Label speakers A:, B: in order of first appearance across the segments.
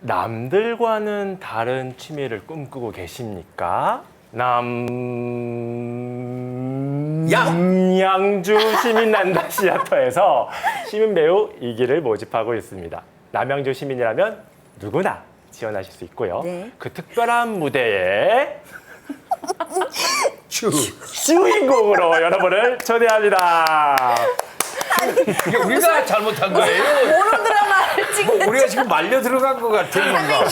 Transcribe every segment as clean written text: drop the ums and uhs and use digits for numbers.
A: 남들과는 다른 취미를 꿈꾸고 계십니까? 남양주 시민난다 시어터에서 시민 배우 2기를 모집하고 있습니다. 남양주 시민이라면 누구나 지원하실 수 있고요.
B: 네.
A: 그 특별한 무대에 주인공으로 여러분을 초대합니다.
C: 이게 우리가 잘못한 거예요?
B: 모노드라마를 찍는
C: 우리가 지금 말려 들어간 것 같은 뭔가.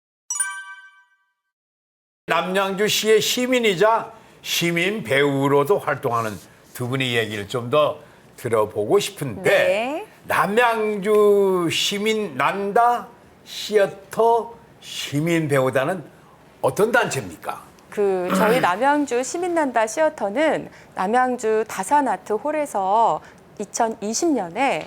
C: 남양주시의 시민이자 시민 배우로도 활동하는 두 분의 얘기를 좀 더 들어보고 싶은데
B: 네.
C: 남양주 시민 난다 시어터 시민 배우단은 어떤 단체입니까?
D: 저희 남양주 시민난다 시어터는 남양주 다산아트 홀에서 2020년에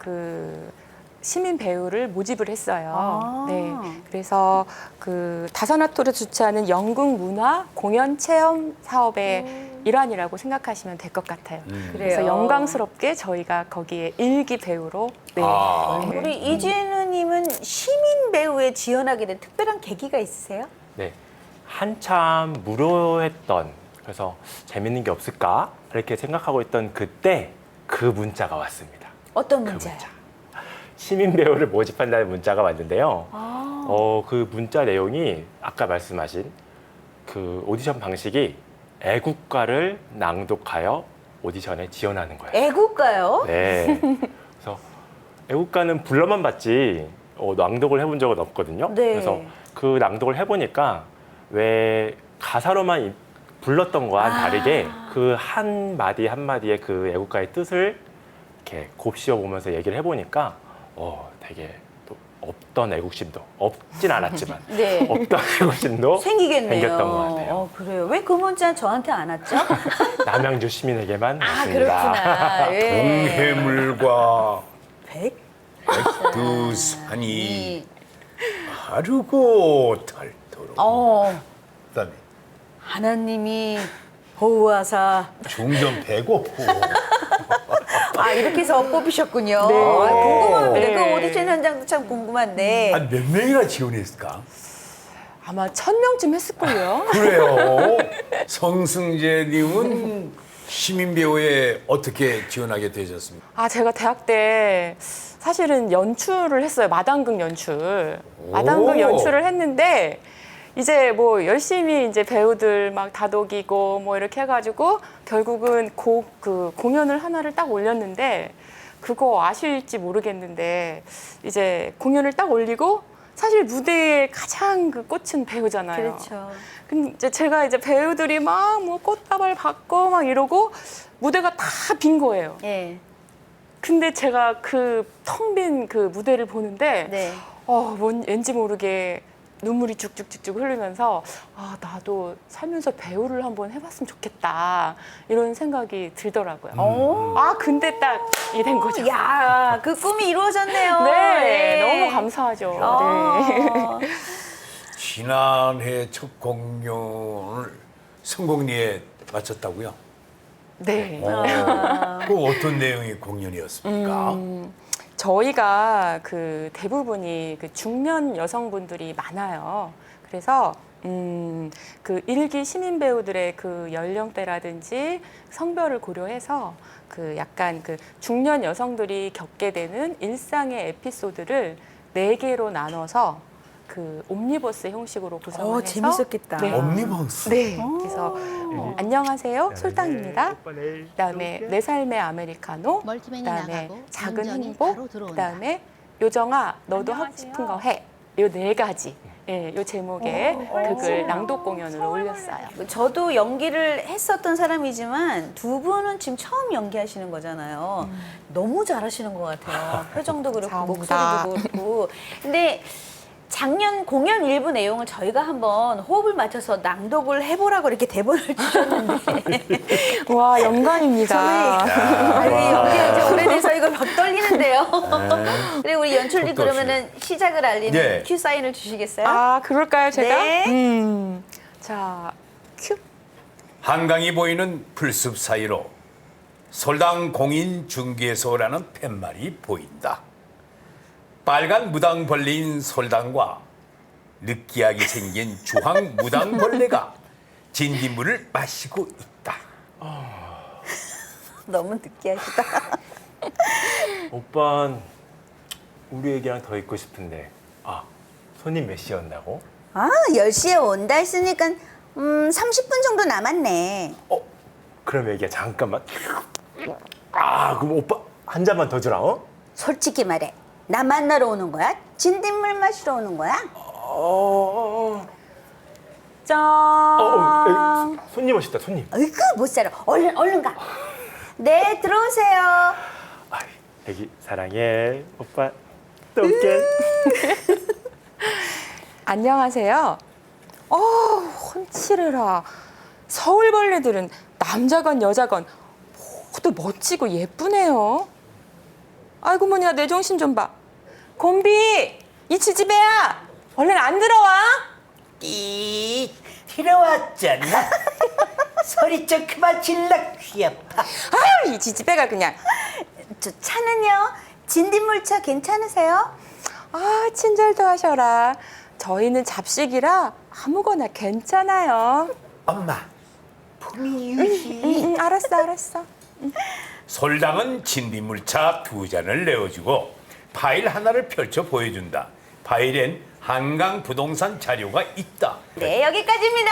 D: 시민 배우를 모집을 했어요.
B: 아.
D: 네. 그래서 다산아트를 주최하는 연극 문화 공연 체험 사업의 일환이라고 생각하시면 될 것 같아요. 그래서
B: 그래요.
D: 영광스럽게 저희가 거기에 일기 배우로 네.
C: 아.
D: 네.
B: 우리 이진우님은 시민 배우에 지원하게 된 특별한 계기가 있으세요?
A: 네, 한참 무료했던, 그래서 재밌는 게 없을까 이렇게 생각하고 있던 그때 그 문자가 왔습니다.
B: 어떤
A: 그
B: 문제요?
A: 문자. 시민 배우를 모집한다는 문자가 왔는데요. 그 문자 내용이 아까 말씀하신 그 오디션 방식이 애국가를 낭독하여 오디션에 지원하는 거예요.
B: 애국가요?
A: 네. 그래서 애국가는 불러만 봤지 낭독을 해본 적은 없거든요.
B: 네.
A: 그래서 그 낭독을 해보니까 왜 가사로만 불렀던 거와는 다르게 그 한 마디 한 마디의 그 애국가의 뜻을 이렇게 곱씹어 보면서 얘기를 해보니까 되게 또 없던 애국심도 없진 않았지만
B: 네.
A: 없던 애국심도
B: 생기겠네요.
A: 생겼던 것 같아요.
B: 그래요. 왜 그 문자 저한테 안 왔죠?
A: 남양주 시민에게만
B: 아,
A: 왔습니다.
B: 그렇구나. 예.
C: 동해물과
B: 백?
C: 백두산이 마르고 닳도록 그다음에
B: 하나님이 보호하사.
C: 중전 배고프
B: 이렇게 해서 뽑히셨군요.
D: 네.
B: 궁금합니다.
D: 네.
B: 그 오디션 현장도 참 궁금한데.
C: 한 몇 명이나 지원했을까?
D: 아마 1000명쯤 했을걸요.
C: 그래요. 성승재님은 시민 배우에 어떻게 지원하게 되셨습니까?
D: 제가 대학 때 사실은 연출을 했어요. 마당극 연출. 마당극
C: 오.
D: 연출을 했는데 이제 뭐 열심히 이제 배우들 막 다독이고 뭐 이렇게 해가지고 결국은 공연을 하나를 딱 올렸는데 그거 아실지 모르겠는데 이제 공연을 딱 올리고 사실 무대에 가장 꽂힌 배우잖아요.
B: 그렇죠.
D: 근데 이제 제가 이제 배우들이 막 뭐 꽃다발 받고 막 이러고 무대가 다 빈 거예요.
B: 예.
D: 근데 제가 그 텅 빈 그 무대를 보는데
B: 네.
D: 왠지 모르게 눈물이 쭉쭉쭉쭉 흐르면서 나도 살면서 배우를 한번 해봤으면 좋겠다 이런 생각이 들더라고요. 근데 딱 이 된 거죠.
B: 야, 그 꿈이 이루어졌네요.
D: 네,
B: 예.
D: 너무 감사하죠. 네.
B: 어.
C: 지난해 첫 공연을 성공리에 마쳤다고요?
D: 네.
C: 그 어떤 내용의 공연이었습니까?
D: 저희가 대부분이 중년 여성분들이 많아요. 그래서 그 일기 시민 배우들의 그 연령대라든지 성별을 고려해서 약간 중년 여성들이 겪게 되는 일상의 에피소드를 4개로 나눠서 옴니버스 형식으로 구성을 해서
B: 재밌었겠다.
D: 네.
C: 옴니버스.
D: 네. 그래서 안녕하세요, 솔당입니다.
A: 오빠 내일
D: 그다음에
A: 또
D: 내 삶의 아메리카노,
E: 멀티맨이
D: 그다음에
E: 나가고
D: 작은
E: 운전이
D: 행복,
E: 바로 들어온다.
D: 그다음에 요정아 너도 하고
E: 안녕하세요.
D: 싶은 거 해. 요 4가지. 예, 요 제목의 극을 낭독 공연을 올렸어요.
B: 저도 연기를 했었던 사람이지만 두 분은 지금 처음 연기하시는 거잖아요. 너무 잘하시는 것 같아요. 표정도 그렇고
D: 감사합니다.
B: 목소리도 그렇고. 근데 작년 공연 일부 내용을 저희가 한번 호흡을 맞춰서 낭독을 해보라고 이렇게 대본을 주셨는데
D: 와, 영광입니다.
B: 연기한 지 오래돼서 이거 막 떨리는데요. 그리고 우리 연출님
C: 턱도 없이.
B: 그러면은 시작을 알리는
C: 네.
B: 큐 사인을 주시겠어요?
D: 그럴까요, 제가?
B: 네.
D: 자, 큐.
C: 한강이 보이는 풀숲 사이로 솔당 공인 중개소라는 팻말이 보인다. 빨간 무당 벌린 솔당과 느끼하게 생긴 주황 무당벌레가 진딧물을 마시고 있다.
B: 너무 느끼하시다.
A: 오빤 우리 애기랑 더 있고 싶은데 손님 몇 시였나고?
B: 10시에 온다 했으니까 30분 정도 남았네.
A: 그럼 애기야 잠깐만. 그럼 오빠 한 잔만 더 주라.
B: 솔직히 말해. 나 만나러 오는 거야? 진딧물 마시러 오는 거야?
D: 짠.
A: 손님 오셨다 손님.
B: 어이구 못 살아. 얼른 가. 네 들어오세요.
A: 애기 사랑해. 오빠 또 올게.
D: 안녕하세요. 헌칠해라. 서울벌레들은 남자건 여자건 모두 멋지고 예쁘네요. 아이고 뭐냐 내 정신 좀 봐. 곰비 이 지지배야 얼른 안 들어와.
E: 들어왔잖아. 소리 좀 그만 질러 귀엽다.
D: 아유 이 지지배가 그냥.
B: 저 차는요? 진딧물차 괜찮으세요?
D: 친절도 하셔라. 저희는 잡식이라 아무거나 괜찮아요.
E: 엄마, 품위 유지.
D: 알았어.
C: 솔당은 진딧물차 2잔을 내어주고 파일 하나를 펼쳐 보여준다. 파일엔 한강 부동산 자료가 있다.
B: 네 여기까지입니다.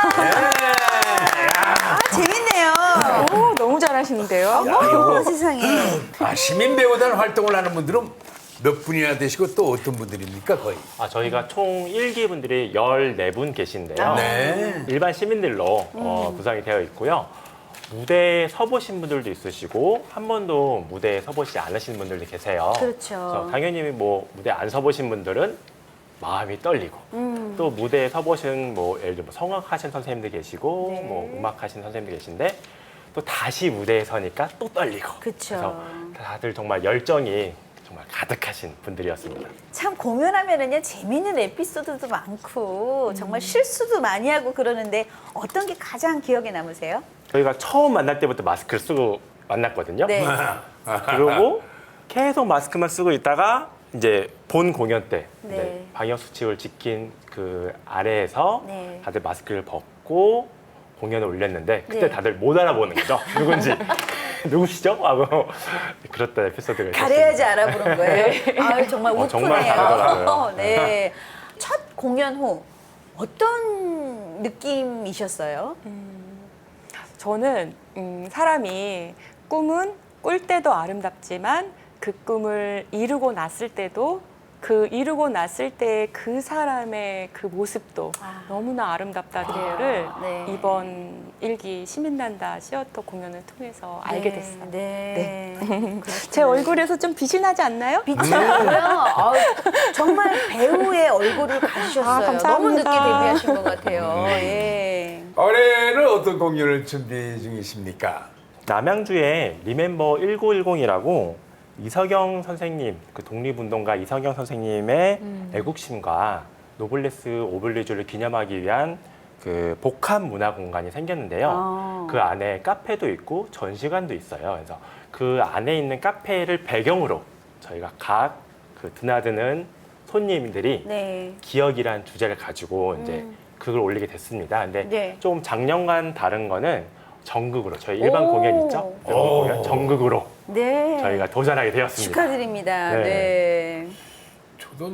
B: 재밌네요.
D: 오 너무 잘하시는데요.
B: 어머 세상에.
C: 시민 배우단 활동을 하는 분들은 몇 분이나 되시고 또 어떤 분들입니까 거의?
A: 저희가 총 1기 분들이 14분 계신데요.
C: 네.
A: 일반 시민들로 구성이 되어 있고요. 무대에 서보신 분들도 있으시고 한 번도 무대에 서보시지 않으신 분들도 계세요.
B: 그렇죠.
A: 그래서 당연히 뭐 무대 안 서보신 분들은 마음이 떨리고 또 무대에 서보신 예를 들어 성악하신 선생님들 계시고
B: 네.
A: 음악하신 선생님들 계신데 또 다시 무대에 서니까 또 떨리고
B: 그쵸.
A: 그래서 다들 정말 열정이 정말 가득하신 분들이었습니다.
B: 참 공연하면은요 재미있는 에피소드도 많고 정말 실수도 많이 하고 그러는데 어떤 게 가장 기억에 남으세요?
A: 저희가 처음 만날 때부터 마스크를 쓰고 만났거든요.
B: 네.
A: 그리고 계속 마스크만 쓰고 있다가 이제 본 공연 때
B: 네.
A: 이제 방역 수칙을 지킨 그 아래에서
B: 네.
A: 다들 마스크를 벗고 공연을 올렸는데 그때
B: 네.
A: 다들 못 알아보는 거죠. 누군지. 누구시죠? 하고 그랬던 에피소드가
B: 가려야지
A: 있었습니다.
B: 알아보는 거예요. 아유, 정말 우프네요.
A: 정말 다르더라고요.
B: 네. 첫 공연 후 어떤 느낌이셨어요?
D: 저는 사람이 꿈은 꿀 때도 아름답지만 그 꿈을 이루고 났을 때도 그 이루고 났을 때 그 사람의 그 모습도 너무나 아름답다를
B: 네.
D: 이번 1기 시민단다 시어터 공연을 통해서 알게 됐어요.
B: 네.
D: 제 얼굴에서 좀 빛이 나지 않나요?
B: 빛이 나고요. 정말 배우의 얼굴을 가지셨어요.
D: 감사합니다.
B: 너무 늦게 데뷔하신 것 같아요. 예.
C: 올해는 어떤 공연을 준비 중이십니까?
A: 남양주에 리멤버 1910이라고 이석영 선생님, 그 독립운동가 이석영 선생님의 애국심과 노블레스 오블리주를 기념하기 위한 그 복합 문화 공간이 생겼는데요. 그 안에 카페도 있고 전시관도 있어요. 그래서 그 안에 있는 카페를 배경으로 저희가 각 그 드나드는 손님들이
B: 네.
A: 기억이란 주제를 가지고 이제 그걸 올리게 됐습니다. 근데
B: 네.
A: 좀 작년과는 다른 거는 전극으로 저희 일반
B: 오.
A: 공연 있죠? 일반 공연 전극으로
B: 네.
A: 저희가 도전하게 되었습니다.
B: 축하드립니다.
A: 네.
B: 네.
C: 저도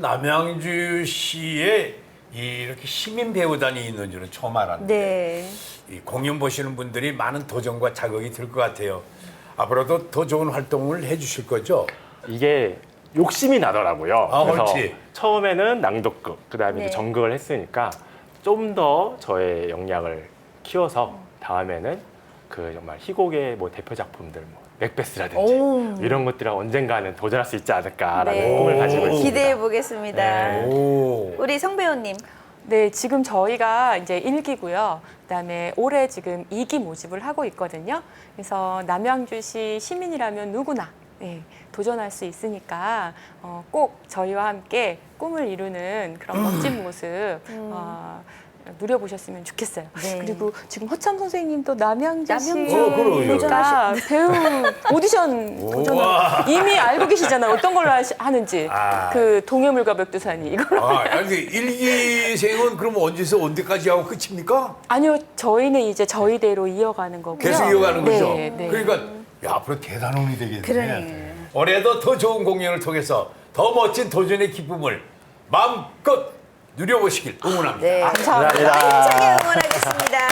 C: 남양주시에 이렇게 시민 배우단이 있는 줄은 처음 알았는데
B: 네.
C: 이 공연 보시는 분들이 많은 도전과 자극이 들 것 같아요. 앞으로도 더 좋은 활동을 해주실 거죠?
A: 이게 욕심이 나더라고요. 그래서
C: 그렇지.
A: 처음에는 낭독극, 그다음에
B: 네.
A: 이제 전극을 했으니까 좀 더 저의 역량을 키워서 다음에는 그 정말 희곡의 뭐 대표 작품들, 뭐 맥베스라든지
B: 오.
A: 이런 것들을 언젠가는 도전할 수 있지 않을까라는
B: 네.
A: 꿈을 가지고 있습니다.
B: 기대해 보겠습니다.
A: 네.
C: 오.
B: 우리 성 배우님.
D: 네, 지금 저희가 이제 1기고요. 그다음에 올해 지금 2기 모집을 하고 있거든요. 그래서 남양주시 시민이라면 누구나 도전할 수 있으니까 꼭 저희와 함께 꿈을 이루는 그런 멋진 모습 누려보셨으면 좋겠어요.
B: 네.
D: 그리고 지금 허참 선생님도 남양주
C: 그럼요.
D: 씨니까 배우 오디션 도전 이미 알고 계시잖아요. 어떤 걸로 하는지. 그 동해물과 멱두산이 이걸로.
C: 아니 일기생은 그럼 언제서 언제까지 하고 끝입니까?
D: 아니요, 저희는 이제 저희대로 이어가는 거고요.
C: 계속 이어가는 거죠.
D: 네, 네.
C: 그러니까 야, 앞으로 대단원이 되겠네.
B: 그러네.
C: 올해도 더 좋은 공연을 통해서 더 멋진 도전의 기쁨을 마음껏 누려보시길 응원합니다.
B: 네.
D: 감사합니다.
B: 힘차게 응원하겠습니다.